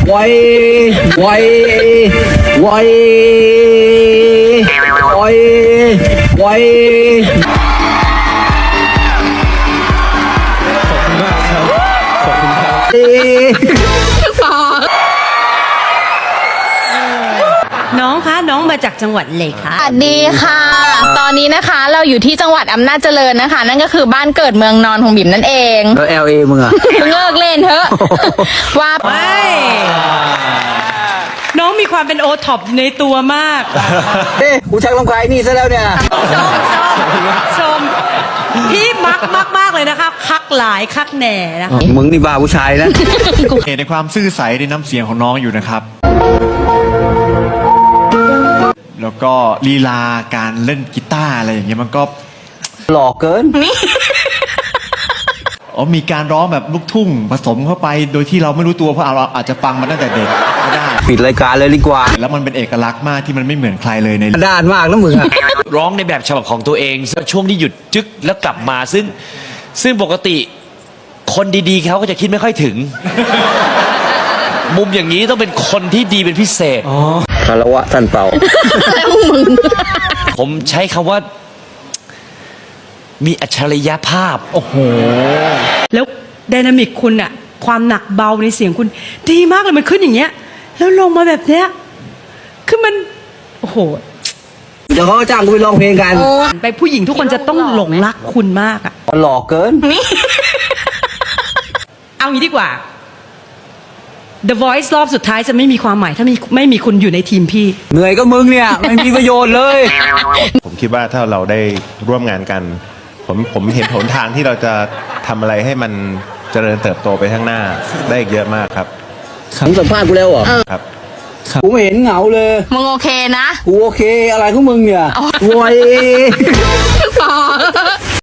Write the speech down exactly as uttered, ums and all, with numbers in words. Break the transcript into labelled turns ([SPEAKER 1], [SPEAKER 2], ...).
[SPEAKER 1] ไว้ไว้ไว้ไว้ไว้
[SPEAKER 2] น้องคะน้องมาจากจังหวัดเลยคะ
[SPEAKER 3] สวัสดีค่ะ ตอนนี้นะคะเราอยู่ที่จังหวัดอำนาจเจริญนะคะ นั่นก็คือบ้านเกิดเมืองนอนของบิ่มนั่นเอง
[SPEAKER 1] แล้ว แอล เอ มึงอะ
[SPEAKER 3] เลิกเล่นเถอะ ว่า
[SPEAKER 2] ไม่น้องมีความเป็นโอท็อปในตัวมาก
[SPEAKER 1] เอ๊ะกูชักลำคายนี่ซะแล้วเนี่ย
[SPEAKER 2] ชมชมชมพี่มักมากมากเลยนะคะ คักหลายคักแหน่นะคะ
[SPEAKER 1] มึงนี่บ้าผู้ชายนะ
[SPEAKER 4] เห็นในความซื่อใสในน้ำเสียงของน้องอยู่นะครับ แล้วก็ลีลาการเล่นกีตาร์อะไรอย่างเงี้ยมันก็
[SPEAKER 1] หล่อเกิน
[SPEAKER 4] อ๋อมีการร้องแบบลูกทุ่งผสมเข้าไปโดยที่เราไม่รู้ตัวเพราะเราอาจจะฟังมาตั้งแต่เด็กก็ได้
[SPEAKER 1] ปิดรายการเลยดีกว่า
[SPEAKER 4] แล้วมันเป็นเอกลักษณ์มากที่มันไม่เหมือนใครเลยใน
[SPEAKER 1] ด้านมากนะมึงอะ
[SPEAKER 5] ร้องในแบบฉบับของตัวเองช่วงที่หยุดจึ๊กแล้วกลับมาซึ่งซึ่งปกติคนดีๆเขาก็จะคิดไม่ค่อยถึง มุมอย่างนี้ต้องเป็นคนที่ดีเป็นพิเศษ
[SPEAKER 1] คารวะท่านเป่า
[SPEAKER 5] ผมใช้คำว่า มีอัจฉริยภาพ โอ้โห
[SPEAKER 2] แล้วไดนามิกคุณอะความหนักเบาในเสียงคุณ ดีมากเลยมันขึ้นอย่างเงี้ย แล้วลงมาแบบเนี้ยคือมันโอ้โห
[SPEAKER 1] เดี๋ยวเขาก็จ้างกูไปร้องเพลงกัน
[SPEAKER 2] ไปผู้หญิงทุกคนจะต้องหลงรักคุณมากอะ
[SPEAKER 1] หล่อเกิน
[SPEAKER 2] เอางี้ดีกว่า The Voice รอบสุดท้ายจะไม่มีความหมายถ้ามีไม่มีคุณอยู่ในทีมพี่
[SPEAKER 1] เหนื่อยก็มึงเนี่ย ไม่มีประโยชน์เลย
[SPEAKER 6] ผมคิดว่าถ้าเราได้ร่วมงานกัน ผมผมเห็นหนทางที่เราจะทำอะไรให้มันเจริญเติบโตไปข้างหน้าได้อีกเยอะมากครับ
[SPEAKER 1] มึงสัมภาษณ์กูแล้วเหรอ
[SPEAKER 6] ครับ
[SPEAKER 1] กูไม่เห็นเหงาเลย
[SPEAKER 3] มึงโอเคนะ
[SPEAKER 1] กูโอเคอะไรของมึงเนี่ยโว้ย
[SPEAKER 3] พอ